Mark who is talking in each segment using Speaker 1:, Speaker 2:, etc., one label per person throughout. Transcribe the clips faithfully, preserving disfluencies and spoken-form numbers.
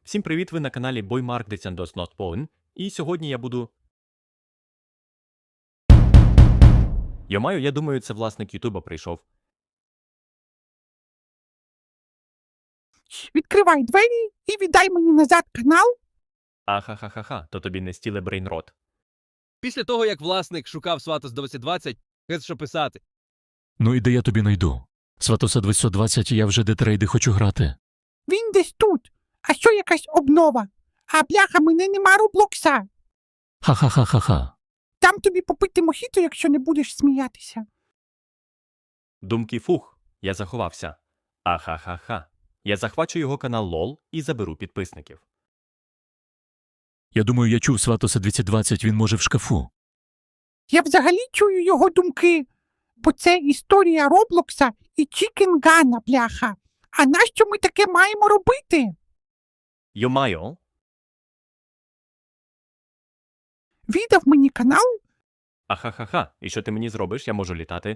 Speaker 1: Всім привіт, ви на каналі BoyMark Descendos Not Pawn, і сьогодні я буду... Йомаю, я думаю, це власник Ютуба прийшов.
Speaker 2: Відкривай двері і віддай мені назад канал.
Speaker 1: Ахахахаха, то тобі не стіле брейнрот.
Speaker 3: Після того, як власник шукав Сватос двадцять двадцять, геть що писати.
Speaker 4: Ну і де я тобі найду? Сватоса двадцять двадцять, я вже детрейди хочу грати.
Speaker 2: Він десь тут. А що якась обнова? А бляха, мене нема Роблокса.
Speaker 4: Ха-ха-ха-ха-ха.
Speaker 2: Дам тобі попити мохіто, якщо не будеш сміятися.
Speaker 1: Думки фух, я заховався. Ахахаха. Я захвачу його канал лол і заберу підписників.
Speaker 4: Я думаю, я чув Сватоса двадцять двадцять, він може в шкафу.
Speaker 2: Я взагалі чую його думки, бо це історія Роблокса і Чікенгана, бляха. А нащо ми таке маємо робити?
Speaker 1: Йомайо,
Speaker 2: Віддав мені канал?
Speaker 1: ахахаха, і що ти мені зробиш, я можу літати.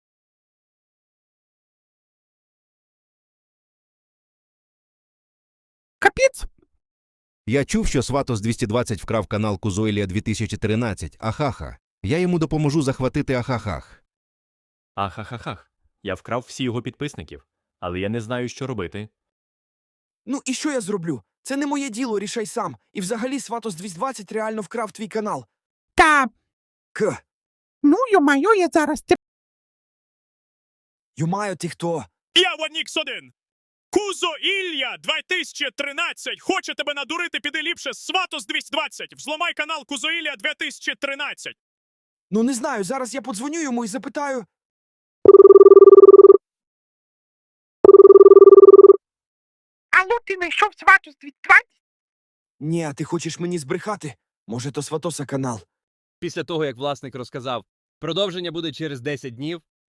Speaker 2: Капець.
Speaker 5: Я чув, що Сватос двадцять двадцять вкрав канал Кузойлія дві тисячі тринадцять, ахаха. Я йому допоможу захватити ахахах.
Speaker 1: Ахахахах. Я вкрав всі його підписників, але я не знаю, що робити.
Speaker 6: Ну і що я зроблю? Це не моє діло, рішай сам. І взагалі Сватос двадцять двадцять реально вкрав твій канал.
Speaker 2: Та,
Speaker 6: К.
Speaker 2: ну, йо-майо, я зараз те...
Speaker 6: Йомаю, ти хто?
Speaker 7: Я Ванікс один. Кузо Ілля дві тисячі тринадцять. Хоче тебе надурити, піди ліпше Сватос двадцять двадцять. Взломай канал Кузо Ілля дві тисячі тринадцять.
Speaker 6: Ну не знаю, зараз я подзвоню йому і запитаю.
Speaker 2: Алло, ти знайшов Сватос двадцять двадцять?
Speaker 6: Ні, а ти хочеш мені збрехати? Може, то Сватоса канал.
Speaker 3: Після того, як власник розказав, продовження буде через десять днів,